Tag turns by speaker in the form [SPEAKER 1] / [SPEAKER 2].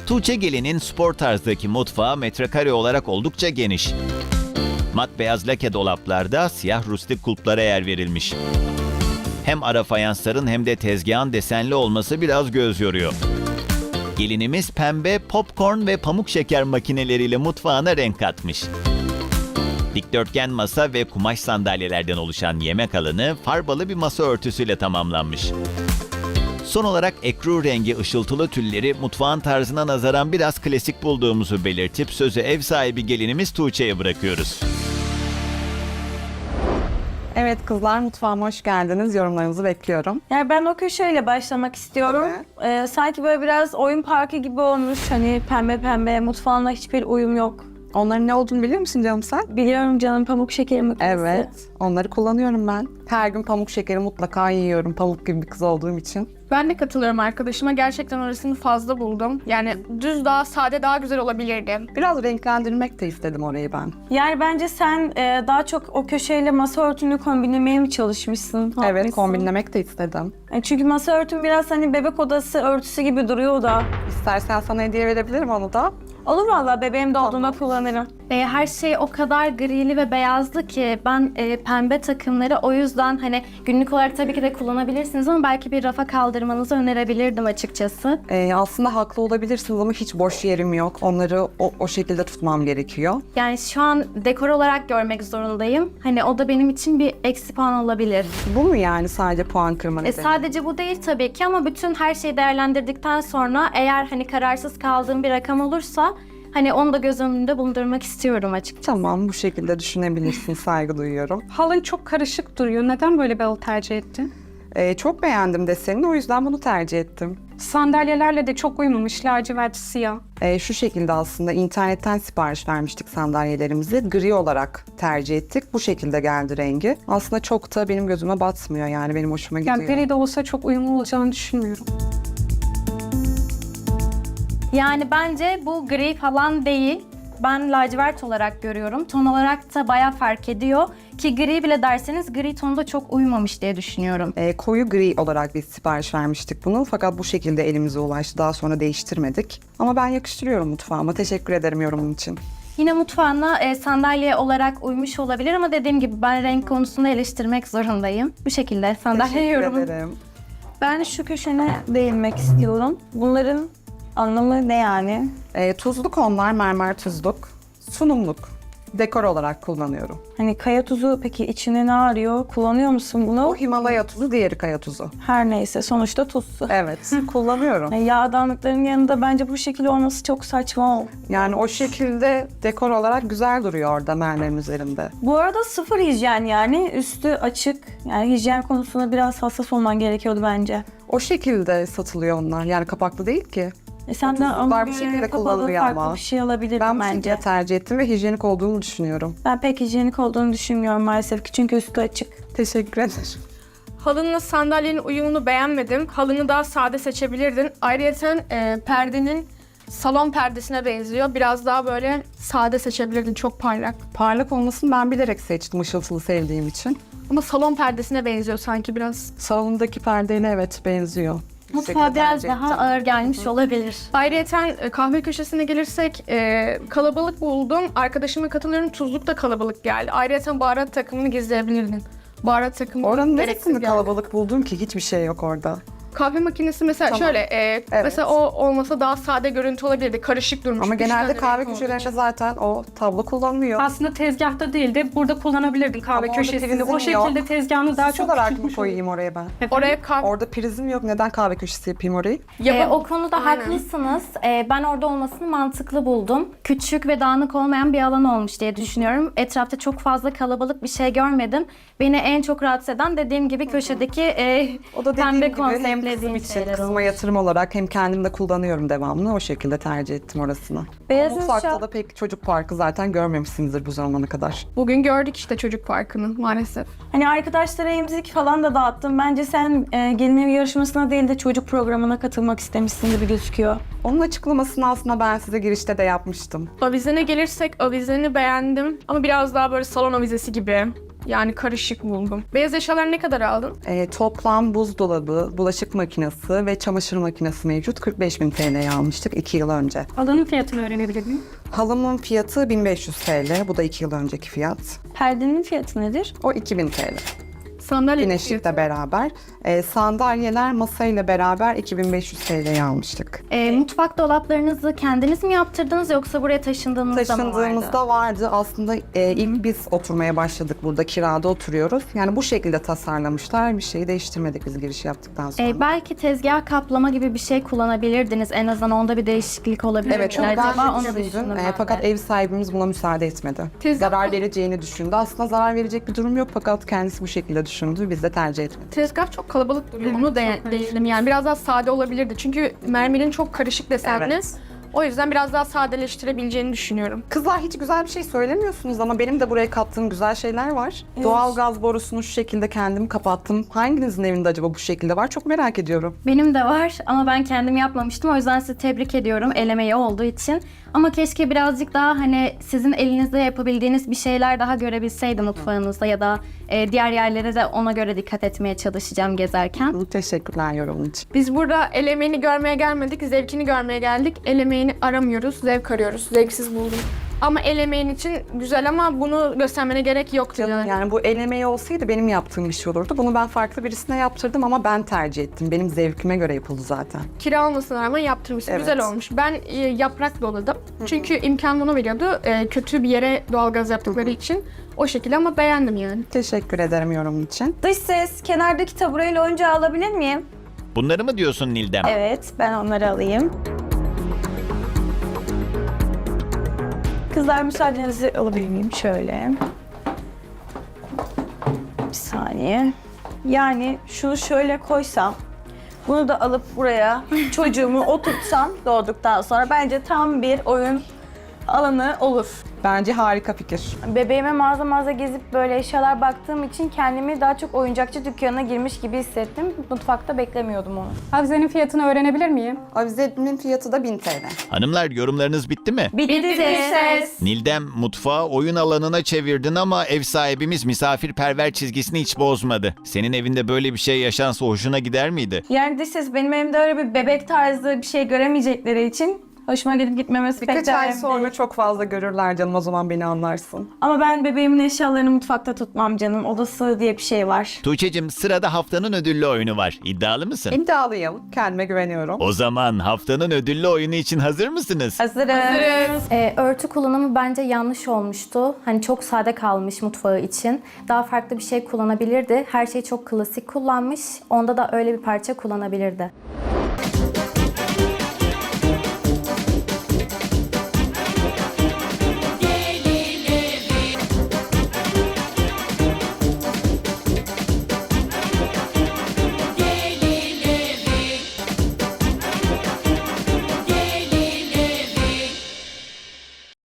[SPEAKER 1] Tuğçe Gelin'in spor tarzdaki mutfağı metrekare olarak oldukça geniş. Mat beyaz lake dolaplarda siyah rustik kulplara yer verilmiş. Hem ara fayansların hem de tezgahın desenli olması biraz göz yoruyor. Gelinimiz pembe, popcorn ve pamuk şeker makineleriyle mutfağına renk katmış. Dikdörtgen masa ve kumaş sandalyelerden oluşan yemek alanı farbalı bir masa örtüsüyle tamamlanmış. Son olarak ekru rengi ışıltılı tülleri mutfağın tarzına nazaran biraz klasik bulduğumuzu belirtip sözü ev sahibi gelinimiz Tuğçe'ye bırakıyoruz.
[SPEAKER 2] Evet kızlar, mutfağıma hoş geldiniz. Yorumlarınızı bekliyorum.
[SPEAKER 3] Yani ben o köşeyle başlamak istiyorum. Sanki böyle biraz oyun parkı gibi olmuş. Hani pembe pembe, mutfağına hiçbir uyum yok.
[SPEAKER 2] Onların ne olduğunu biliyor musun canım sen?
[SPEAKER 3] Biliyorum canım, pamuk şekeri makinesi.
[SPEAKER 2] Evet, onları kullanıyorum ben. Her gün pamuk şekeri mutlaka yiyorum, pamuk gibi bir kız olduğum için.
[SPEAKER 4] Ben de katılıyorum arkadaşıma. Gerçekten orasını fazla buldum. Yani düz daha sade daha güzel olabilirdi.
[SPEAKER 2] Biraz renklendirmek de istedim orayı ben.
[SPEAKER 3] Yani bence sen daha çok o köşeyle masa örtünü kombinlemeye mi çalışmışsın?
[SPEAKER 2] Evet,
[SPEAKER 3] Haklısın.
[SPEAKER 2] kombinlemek de istedim.
[SPEAKER 3] Çünkü masa örtün biraz hani bebek odası örtüsü gibi duruyor da.
[SPEAKER 2] İstersen sana hediye verebilirim onu da.
[SPEAKER 3] Olur vallahi, bebeğim doğduğunda kullanırım.
[SPEAKER 5] Her şey o kadar grili ve beyazdı ki ben pembe takımları o yüzden hani günlük olarak tabii ki de kullanabilirsiniz ama belki bir rafa kaldırmanızı önerebilirdim açıkçası.
[SPEAKER 2] Aslında haklı olabilirsiniz ama hiç boş yerim yok. Onları o şekilde tutmam gerekiyor.
[SPEAKER 5] Yani şu an dekor olarak görmek zorundayım. Hani o da benim için bir eksi puan olabilir.
[SPEAKER 2] Bu mu yani sadece puan kırma nedeni?
[SPEAKER 5] Sadece bu değil tabii ki ama bütün her şeyi değerlendirdikten sonra eğer hani kararsız kaldığım bir rakam olursa hani onu da göz önünde bulundurmak istiyorum açıkçası.
[SPEAKER 2] Tamam, bu şekilde düşünebilirsin, saygı duyuyorum.
[SPEAKER 6] Halın çok karışık duruyor. Neden böyle bir halı tercih ettin?
[SPEAKER 2] Çok beğendim desenini, o yüzden bunu tercih ettim.
[SPEAKER 6] Sandalyelerle de çok uymamış, lacivert siyah.
[SPEAKER 2] Şu şekilde aslında internetten sipariş vermiştik sandalyelerimizi. Gri olarak tercih ettik. Bu şekilde geldi rengi. Aslında çok da benim gözüme batmıyor, yani benim hoşuma gidiyor.
[SPEAKER 6] Yani gri de olsa çok uyumlu olacağını düşünmüyorum.
[SPEAKER 5] Yani bence bu gri falan değil. Ben lacivert olarak görüyorum. Ton olarak da bayağı fark ediyor. Ki gri bile derseniz gri tonu da çok uymamış diye düşünüyorum.
[SPEAKER 2] Koyu gri olarak biz sipariş vermiştik bunu. Fakat bu şekilde elimize ulaştı. Daha sonra değiştirmedik. Ama ben yakıştırıyorum mutfağıma. Teşekkür ederim yorumun için.
[SPEAKER 5] Yine mutfağına sandalye olarak uymuş olabilir ama dediğim gibi ben renk konusunda eleştirmek zorundayım. Bu şekilde sandalye
[SPEAKER 2] Teşekkür
[SPEAKER 5] yorumum.
[SPEAKER 2] ederim.
[SPEAKER 3] Ben şu köşene değinmek istiyorum. Bunların anlamı ne yani?
[SPEAKER 2] Tuzluk onlar, mermer tuzluk. Sunumluk. Dekor olarak kullanıyorum.
[SPEAKER 3] Hani kaya tuzu peki içine ne arıyor? Kullanıyor musun bunu?
[SPEAKER 2] O Himalaya tuzu, diğeri kaya tuzu.
[SPEAKER 3] Her neyse, sonuçta tuzsu.
[SPEAKER 2] Evet, kullanıyorum.
[SPEAKER 3] Yani yağdanlıkların yanında bence bu şekilde olması çok saçma.
[SPEAKER 2] Yani o şekilde dekor olarak güzel duruyor orada mermerin üzerinde.
[SPEAKER 3] Bu arada sıfır hijyen, yani üstü açık. Yani hijyen konusunda biraz hassas olman gerekiyordu bence.
[SPEAKER 2] O şekilde satılıyor onlar. Yani kapaklı değil ki.
[SPEAKER 3] Sen de
[SPEAKER 2] tuzluklar
[SPEAKER 3] ama
[SPEAKER 2] bu
[SPEAKER 3] bir
[SPEAKER 2] şekilde
[SPEAKER 3] kapalı
[SPEAKER 2] kullanılıyor
[SPEAKER 3] farklı
[SPEAKER 2] ama.
[SPEAKER 3] bir şey alabilirim
[SPEAKER 2] Ben bu
[SPEAKER 3] bence.
[SPEAKER 2] şekilde tercih ettim ve hijyenik olduğunu düşünüyorum.
[SPEAKER 3] Ben pek hijyenik olduğunu düşünmüyorum maalesef ki, çünkü üstü açık.
[SPEAKER 2] Teşekkür ederim.
[SPEAKER 4] Halınla sandalyenin uyumunu beğenmedim. Halını daha sade seçebilirdin. Ayrıca perdenin salon perdesine benziyor. Biraz daha böyle sade seçebilirdin. Çok parlak.
[SPEAKER 2] Parlak olmasını ben bilerek seçtim, ışıltılı sevdiğim için.
[SPEAKER 4] Ama salon perdesine benziyor sanki biraz.
[SPEAKER 2] Salondaki perdeyle evet benziyor. Bu
[SPEAKER 5] Mutfağa
[SPEAKER 2] şekilde
[SPEAKER 5] biraz
[SPEAKER 2] tercih
[SPEAKER 5] daha
[SPEAKER 2] ettim.
[SPEAKER 5] ağır gelmiş olabilir.
[SPEAKER 4] Ayrıca kahve köşesine gelirsek kalabalık buldum. Arkadaşıma katılıyorum. Tuzluk da kalabalık geldi. Ayrıca baharat takımını gizleyebilirdin. Baharat takımı
[SPEAKER 2] Oranın
[SPEAKER 4] gereksiz
[SPEAKER 2] neresinde
[SPEAKER 4] geldi.
[SPEAKER 2] kalabalık buldum ki? Hiçbir şey yok orada.
[SPEAKER 4] Kahve makinesi mesela
[SPEAKER 2] Tamam.
[SPEAKER 4] şöyle,
[SPEAKER 2] Evet.
[SPEAKER 4] mesela o olmasa daha sade görüntü olabilirdi. Karışık durmuş.
[SPEAKER 2] Ama
[SPEAKER 4] Üç
[SPEAKER 2] genelde
[SPEAKER 4] tane
[SPEAKER 2] kahve
[SPEAKER 4] renk olduğu
[SPEAKER 2] köşelerinde
[SPEAKER 4] için.
[SPEAKER 2] zaten o tablo kullanılıyor.
[SPEAKER 6] Aslında tezgahta değil de burada kullanabilirdin kahve
[SPEAKER 2] Ama orada
[SPEAKER 6] köşesinde.
[SPEAKER 2] prizim
[SPEAKER 6] O şekilde
[SPEAKER 2] yok.
[SPEAKER 6] tezgahını daha
[SPEAKER 2] Süs
[SPEAKER 6] çok
[SPEAKER 2] olarak mı
[SPEAKER 6] küçültmüş
[SPEAKER 2] koyayım oraya ben?
[SPEAKER 4] Oraya kahve...
[SPEAKER 2] Orada prizim yok. Neden kahve köşesi yapayım orayı?
[SPEAKER 5] O konuda
[SPEAKER 4] Aynen.
[SPEAKER 5] haklısınız. Ben orada olmasını mantıklı buldum. Küçük ve dağınık olmayan bir alan olmuş diye düşünüyorum. Etrafta çok fazla kalabalık bir şey görmedim. Beni en çok rahatsız eden dediğim gibi köşedeki
[SPEAKER 2] O da dediğim
[SPEAKER 5] pembe
[SPEAKER 2] gibi hem kızım
[SPEAKER 5] konseptlediğim
[SPEAKER 2] için,
[SPEAKER 5] şeyler
[SPEAKER 2] kızıma
[SPEAKER 5] olmuş.
[SPEAKER 2] yatırım olarak hem kendim de kullanıyorum devamlı. O şekilde tercih ettim orasını.
[SPEAKER 3] Beyaz
[SPEAKER 2] Mutfakta
[SPEAKER 3] eşya-
[SPEAKER 2] da pek çocuk parkı zaten görmemişsinizdir bu zamana kadar.
[SPEAKER 4] Bugün gördük işte çocuk parkını maalesef.
[SPEAKER 3] Hani arkadaşlara emzik falan da dağıttım. Bence sen gelin evi yarışmasına değil de çocuk programına katılmak istemişsin gibi gözüküyor.
[SPEAKER 2] Onun açıklamasını aslında ben size girişte de yapmıştım.
[SPEAKER 4] Avizene gelirsek avizeni beğendim. Ama biraz daha böyle salon avizesi gibi. Yani karışık buldum. Beyaz eşyaları ne kadar aldın?
[SPEAKER 2] Toplam buzdolabı, bulaşık makinesi ve çamaşır makinesi mevcut. 45.000 TL'ye almıştık 2 yıl önce.
[SPEAKER 6] Halının fiyatını öğrenebilir miyim?
[SPEAKER 2] Halımın fiyatı 1500 TL. Bu da 2 yıl önceki fiyat.
[SPEAKER 3] Perdenin fiyatı nedir?
[SPEAKER 2] O 2000 TL.
[SPEAKER 4] Sandalye
[SPEAKER 2] Güneşlikle beraber. Sandalyeler masayla beraber 2500 TL'ye almıştık.
[SPEAKER 5] Mutfak dolaplarınızı kendiniz mi yaptırdınız yoksa buraya taşındığınızda mı vardı?
[SPEAKER 2] Taşındığımızda vardı. Aslında ilk biz oturmaya başladık burada. Kirada oturuyoruz. Yani bu şekilde tasarlamışlar. Bir şeyi değiştirmedik biz giriş yaptıktan sonra.
[SPEAKER 5] Belki tezgah kaplama gibi bir şey kullanabilirdiniz. En azından onda bir değişiklik olabilir.
[SPEAKER 2] Evet, çok
[SPEAKER 5] Acaba
[SPEAKER 2] ben
[SPEAKER 5] onu
[SPEAKER 2] de düşündüm.
[SPEAKER 5] düşündüm ben de.
[SPEAKER 2] Fakat ev sahibimiz buna müsaade etmedi. Zarar vereceğini düşündü. Aslında zarar verecek bir durum yok fakat kendisi bu şekilde düşündü. Biz de tercih etmedik.
[SPEAKER 4] Tezgah çok kalabalık duruyor. Onu değindim yani. Biraz daha sade olabilirdi. Çünkü mermerin çok karışık desenli.
[SPEAKER 2] Evet.
[SPEAKER 4] O yüzden biraz daha sadeleştirebileceğini düşünüyorum.
[SPEAKER 2] Kızlar hiç güzel bir şey söylemiyorsunuz ama benim de buraya kattığım güzel şeyler var. Doğal gaz borusunu şu şekilde kendim kapattım. Hanginizin evinde acaba bu şekilde var? Çok merak ediyorum.
[SPEAKER 5] Benim de var ama ben kendim yapmamıştım. O yüzden sizi tebrik ediyorum el emeği olduğu için. Ama keşke birazcık daha hani sizin elinizde yapabildiğiniz bir şeyler daha görebilseydim mutfağınızda ya da diğer yerlere de ona göre dikkat etmeye çalışacağım gezerken.
[SPEAKER 2] Teşekkürler yorumun için.
[SPEAKER 4] Biz burada el emeğini görmeye gelmedik, zevkini görmeye geldik. El emeğini aramıyoruz, zevk arıyoruz. Zevksiz buldum. Ama el emeğin için güzel ama bunu göstermene gerek yoktu yani.
[SPEAKER 2] Yani bu el emeği olsaydı benim yaptığım bir şey olurdu. Bunu ben farklı birisine yaptırdım ama ben tercih ettim. Benim zevkime göre yapıldı zaten.
[SPEAKER 4] Kira olmasına rağmen yaptırmışsın.
[SPEAKER 2] Evet.
[SPEAKER 4] Güzel olmuş. Ben yaprak doladım. Çünkü imkan bunu veriyordu. Kötü bir yere doğalgaz yaptıkları için. O şekilde ama beğendim yani.
[SPEAKER 2] Teşekkür ederim yorumun için.
[SPEAKER 3] Dış ses, kenardaki tabureyle oyuncağı alabilir miyim?
[SPEAKER 1] Bunları mı diyorsun Nildem?
[SPEAKER 3] Evet, ben onları alayım. Kızlar müsaadenizi alabilir miyim? Şöyle. Bir saniye. Yani şunu şöyle koysam, bunu da alıp buraya çocuğumu oturtsam doğduktan sonra bence tam bir oyun alanı olur.
[SPEAKER 2] Bence harika fikir.
[SPEAKER 3] Bebeğime mağaza gezip böyle eşyalar baktığım için kendimi daha çok oyuncakçı dükkanına girmiş gibi hissettim. Mutfakta beklemiyordum onu.
[SPEAKER 6] Avizenin fiyatını öğrenebilir miyim?
[SPEAKER 2] Avizenin fiyatı da 1000 TL.
[SPEAKER 1] Hanımlar yorumlarınız bitti mi?
[SPEAKER 3] Bitti ses.
[SPEAKER 1] Nildem mutfağı oyun alanına çevirdin ama ev sahibimiz misafirperver çizgisini hiç bozmadı. Senin evinde böyle bir şey yaşansa hoşuna gider miydi?
[SPEAKER 3] Yani dış ses benim evimde öyle bir bebek tarzı bir şey göremeyecekleri için hoşuma gidip gitmemesi pek
[SPEAKER 2] Birkaç
[SPEAKER 3] de
[SPEAKER 2] ay
[SPEAKER 3] önemli
[SPEAKER 2] sonra
[SPEAKER 3] değil.
[SPEAKER 2] çok fazla görürler canım, o zaman beni anlarsın.
[SPEAKER 3] Ama ben bebeğimin eşyalarını mutfakta tutmam canım. Odası diye bir şey var.
[SPEAKER 1] Tuğçe'cim sırada haftanın ödüllü oyunu var. İddialı mısın?
[SPEAKER 2] İddialıyım, kendime güveniyorum.
[SPEAKER 1] O zaman haftanın ödüllü oyunu için hazır mısınız?
[SPEAKER 3] Hazırız.
[SPEAKER 5] Örtü kullanımı bence yanlış olmuştu. Hani çok sade kalmış mutfağı için. Daha farklı bir şey kullanabilirdi. Her şeyi çok klasik kullanmış. Onda da öyle bir parça kullanabilirdi.